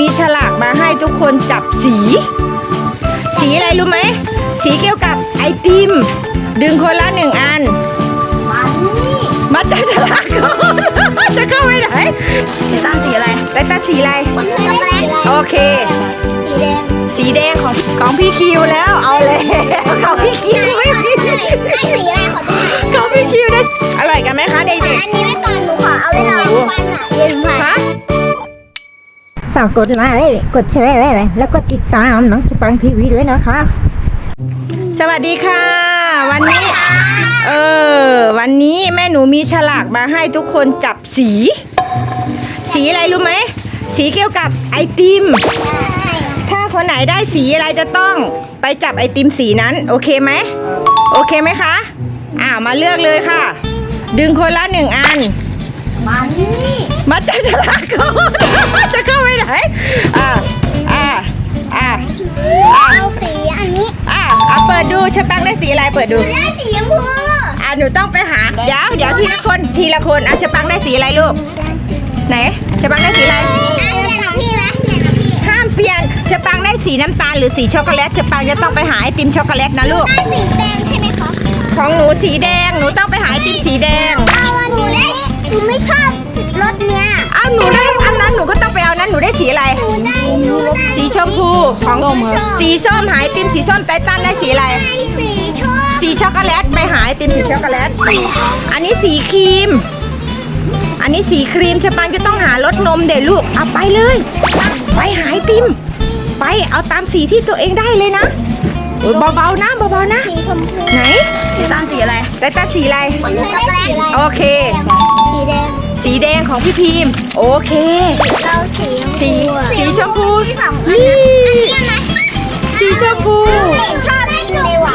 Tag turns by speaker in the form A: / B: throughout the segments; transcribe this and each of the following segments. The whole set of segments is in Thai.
A: ฉลากมาให้ทุกคนจับสี สีอะไรรู้ไหมสีเกี่ยวกับไอติมดึงคนละ1 อันมาจับฉลากก่อนจะเข้าไปไหนไตตันสีอะไรไตตันสีอะไรโอเคสีแดงของพี่คิวแล้วเอาเลยของพี่คิวไม่มีของพี่คิวได้อร่อยกันไหมคะเด็กๆ
B: อันนี้ไว้ก่อนหนูขอเอาไว้รอฟันอ่ะเย็นค่ะ
C: ฝากกดไลค์กดแชร์แล้วก็ติดตามน้องสปังทีวีด้วยนะคะ
A: สวัสดีค่ะวันนี้แม่หนูมีฉลากมาให้ทุกคนจับสี สีอะไรรู้ไหมสีเกี่ยวกับไอติมถ้าคนไหนได้สีอะไรจะต้องไปจับไอติมสีนั้นโอเคไหมโอเคไหมคะมาเลือกเลยค่ะดึงคนละ1 อันมาจับฉลากก่อนจะเข้าไปไหน
B: เอาสีอันนี้
A: เปิดดูชะปังได้สีอะไรเปิดดู
B: ได้สีชมพู
A: หนูต้องไปหาเดี๋ยวทีละคนชะปังได้สีอะไรลูกไหนชะปังได้สีอะไรห้ามเปลี่ยนชะปังได้สีน้ำตาลหรือสีช็อกโกแลตชะปังจะต้องไปหาไอติมช็อกโกแลตนะลูก
B: ได้สีแดงใช่ไหมคะ
A: ของหนูสีแดงหนูต้องไปหาไอติมสีแดง
B: หนูไม่ชอบรสเนี้ย
A: หนูได้อันนั้นหนูก็ต้องไปเอานั้นหนูได้สีอะไรสีชมพูของสีส้มหาไอติมสีส้มไตตันได้สีอะไรสีช็อกโกแลตไปหาไอติมสีช็อกโกแลตอันนี้สีครีมชะปังจะต้องหารสนมเด็กลูกเอาไปเลยไปหาไอติมไปเอาตามสีที่ตัวเองได้เลยนะเบาๆนะ
B: สีชมพู
A: ไหนไตตันสีอะไรไตตันสีอะไรโอเคสีแดงของพี่พิมพ์โอเคสีชมพูนี่สีชมพู
B: ชอบกินเลยว่ะ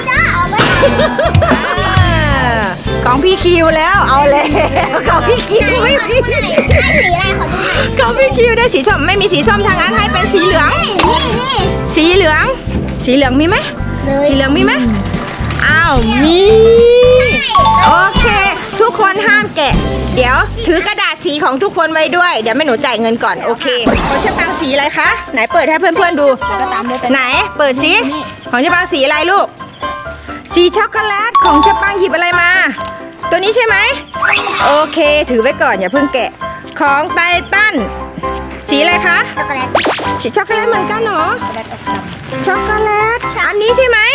A: ของพี่คิวแล้วเอาเลยของพี่คิวไม่มีของพี่คิวได้สีส้มไม่มีสีส้มทางนั้นให้เป็นสีเหลืองสีเหลืองมีไหมสีเหลืองมีไหมมีโอเคทุกคนห้ามแกะเดี๋ยวถือกระดาษสีของทุกคนไว้ด้วยเดี๋ยวแม่หนูจ่ายเงินก่อนโอเคของชะปังสีอะไรคะไหนเปิดให้เพื่อนๆดูไหนเปิดสิของชะปังสีอะไรลูกสีช็อกโกแลตของชะปังหยิบอะไรมาตัวนี้ใช่ไหมโอเคถือไว้ก่อนอย่าเพิ่งแกะของไตตันสีอะไรคะ
B: ช็อกโกแลต
A: สีช็อกโกแลตเหมือนกันเหรอช็อกโกแลตอันนี้ใช่ไหม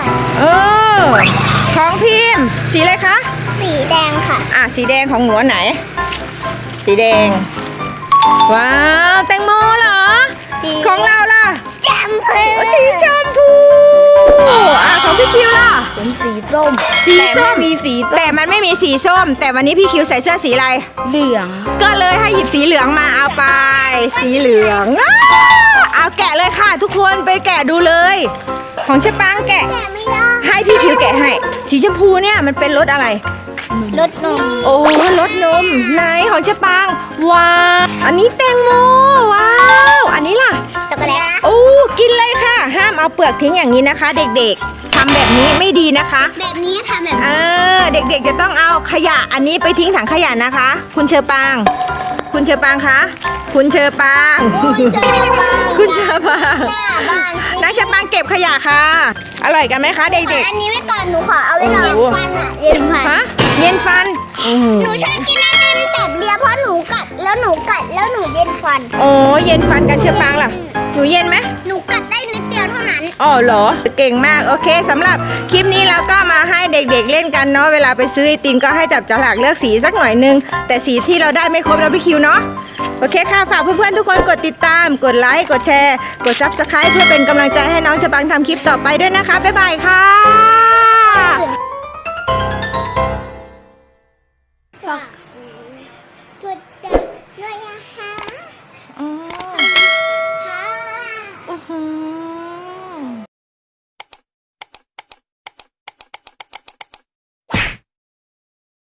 A: ของพิมพ์สีอะไรคะ
B: สีแดงค่ะ
A: สีแดงของหนูไหนสีแดงว้าวแตงโมเหรอของเราล่ะสีชมพูของพี่คิวล่ะ
B: เป็นสีส้ม
A: มีสีแต่มันไม่มีสีส้มแต่วันนี้พี่คิวใส่เสื้อสีอะไร
B: เหลือง
A: ก็เลยให้หยิบสีเหลืองมาเอาไปสีเหลืองเอาแกะเลยค่ะทุกคนไปแกะดูเลยของชะปังแกะ
B: ไม่ได้
A: ให้พี่คิวแกะให้สีชมพูเนี่ยมันเป็นรสอะไร
B: รสนม
A: รสนมไหนของชะปังว้าวอันนี้แตงโมว้าวอันนี้ล่ะ
B: ช็อกโกแลต
A: กินเลยค่ะห้ามเอาเปลือกทิ้งอย่างนี้นะคะเด็กๆทำแบบนี้ไม่ดีนะคะ
B: แบบนี้ทำแบบ
A: เด็กๆจะต้องเอาขยะอันนี้ไปทิ้งถังขยะนะคะคุณเชอปางคะคุณเชอปางนายเชอปางเก็บขยะค่ะอร่อยกันไหมคะเด็กๆ
B: อันนี้ไว้ก่อนหนูขอเอาไว้รอฟันเย็น
A: ฟัน
B: หนูชอบกินไอติมแต่เบียร์เพราะหนูกัดแล้วหนูเย็นฟัน
A: เย็นฟันกันเชอปางล่ะหนูเย็นไหม
B: หนูกัดได้นิดเดียวเท่านั้น
A: เหรอเก่งมากโอเคสำหรับคลิปนี้เราก็มาให้เด็กๆเล่นกันเนาะเวลาไปซื้อไอติมก็ให้จับฉลากเลือกสีสักหน่อยนึงแต่สีที่เราได้ไม่ครบเราพี่คิวเนาะโอเคค่ะฝากเพื่อนๆทุกคนกดติดตามกดไลค์กดแชร์กด Subscribe เพื่อเป็นกำลังใจให้น้องชะปังทำคลิปต่อไปด้วยนะคะบ๊ายบายค่ะ